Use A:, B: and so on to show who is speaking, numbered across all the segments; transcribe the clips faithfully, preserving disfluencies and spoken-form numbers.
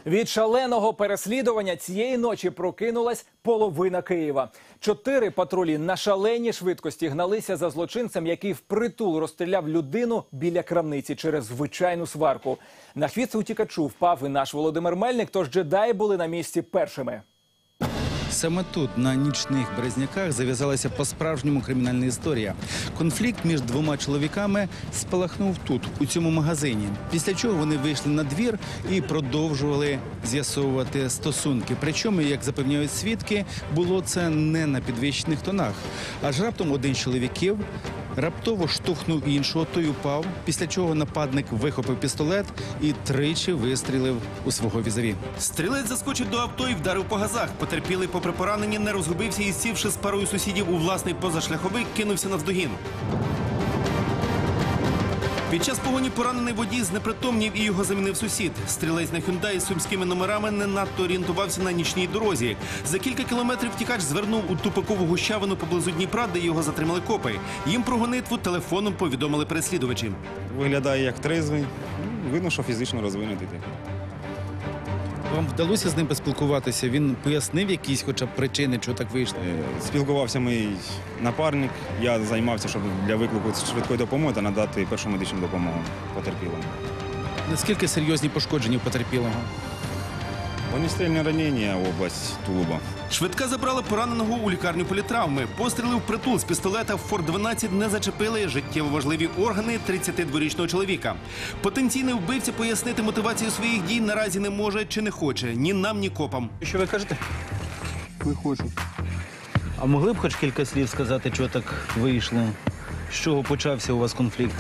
A: Від шаленого переслідування цієї ночі прокинулась половина Києва. Чотири патрулі на шаленій швидкості гналися за злочинцем, який впритул розстріляв людину біля крамниці через звичайну сварку. На хвіст утікачу впав і наш Володимир Мельник, тож джедаї були на місці першими.
B: Саме тут, на нічних Березняках, зав'язалася по-справжньому кримінальна історія. Конфлікт між двома чоловіками спалахнув тут, у цьому магазині. Після чого вони вийшли на двір і продовжували з'ясовувати стосунки. Причому, як запевняють свідки, було це не на підвищених тонах. Аж раптом один з чоловіків раптово штовхнув іншого, той упав, після чого нападник вихопив пістолет і тричі вистрілив у свого візаві.
C: Стрілець заскочив до авто і вдарив по газах. Потерпілий, попри поранення, не розгубився і, сівши з парою сусідів у власний позашляховик, кинувся навздогін. Під час погоні поранений водій знепритомнів і його замінив сусід. Стрілець на «Хюндай» з сумськими номерами не надто орієнтувався на нічній дорозі. За кілька кілометрів втікач звернув у тупикову гущавину поблизу Дніпра, де його затримали копи. Їм про гонитву телефоном повідомили переслідувачі.
D: Виглядає як трезвий, видно, що фізично розвинутий.
B: Вам вдалося з ним поспілкуватися? Він пояснив якісь хоча б причини, чого так вийшло?
D: Спілкувався мій напарник, я займався, щоб для виклику швидкої допомоги та надати першу медичну допомогу потерпілому.
B: Наскільки серйозні пошкодження потерпілого?
D: Вогнестрільне ранення, область тулуба.
C: Швидка забрала пораненого у лікарню політравми. Постріли впритул з пістолета «Фор дванадцять» не зачепили життєво важливі органи тридцятидворічного чоловіка. Потенційний вбивця пояснити мотивацію своїх дій наразі не може чи не хоче. Ні нам, ні копам.
B: Що ви кажете?
E: Не хочу.
B: А могли б хоч кілька слів сказати, чого так вийшло? З чого почався у вас конфлікт?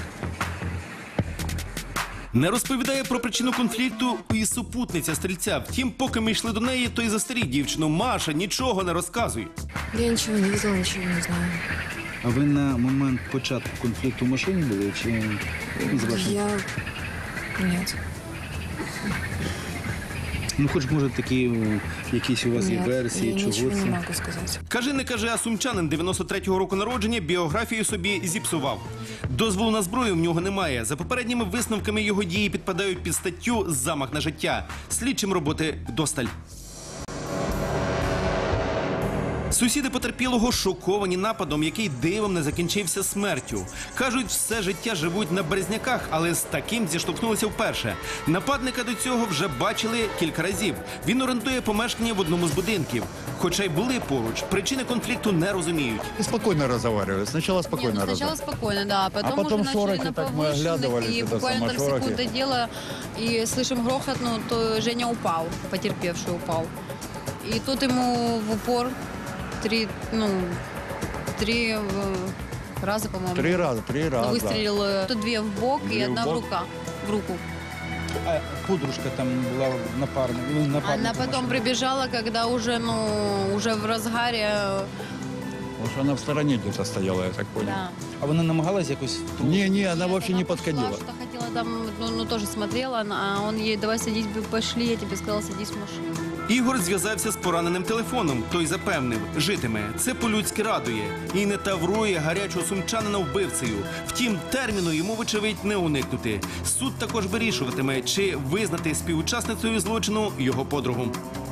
C: Не розповідає про причину конфлікту і супутниця стрільця. Втім, поки ми йшли до неї, то й застеріг дівчину. Маша, нічого не розказуй.
F: Я нічого не видела, нічого не знаю.
B: А ви на момент початку конфлікту в машині були? Чи
F: Я... Нет.
B: Ну, хоч, може, такі якісь у вас є
F: Нет,
B: версії,
F: я
B: чого
F: нічого
B: це?
F: не можу сказати.
C: Кажи, не кажи, а сумчанин дев'яносто третього року народження біографію собі зіпсував. Дозволу на зброю в нього немає. За попередніми висновками його дії підпадають під статтю «Замах на життя». Слідчим роботи вдосталь. Сусіди потерпілого шоковані нападом, який дивом не закінчився смертю. Кажуть, все життя живуть на Березняках, але з таким зіштовхнулися вперше. Нападника до цього вже бачили кілька разів. Він орендує помешкання в одному з будинків. Хоча й були поруч, причини конфлікту не розуміють.
E: Спокойно разговаривали. Сначала спокойно
G: Нет, ну, сначала
E: разговаривали.
G: спокойно, да. Потом,
E: А потом
G: уже начали
E: шорохи,
G: на
E: так мы
G: повышенных,
E: оглядывались,
G: и
E: это
G: буквально там
E: самошорохи.
G: секунда дела, и слышим грохот, ну, то Женя упал, потерпевший упал. И тут ему в упор три, ну, три э, раза, по-моему.
E: Три раза, три раза.
G: Выстрелил э, тут две в бок
E: Две
G: и
E: в
G: одна в,
E: бок.
G: рука, в руку.
B: А подружка там була напарна, ну, напарником
G: Она потом
B: вашим.
G: прибежала, когда уже, ну, уже в разгаре, э,
E: Потому что она в стороне где-то стояла, я так понял.
G: да.
B: А вона намагалась якось...
E: Не, не, она
G: Нет,
E: вообще не
G: пошла,
E: подходила.
G: что хотела там, ну, ну, тоже смотрела, а он ей: давай садись, пошли, я тебе сказала, садись в машину.
C: Ігор зв'язався з пораненим телефоном. Той запевнив, житиме. Це по-людськи радує. І не таврує гарячого сумчанина вбивцею. Втім, терміну йому, вочевидь, не уникнути. Суд також вирішуватиме, чи визнати співучасницею злочину його подругу.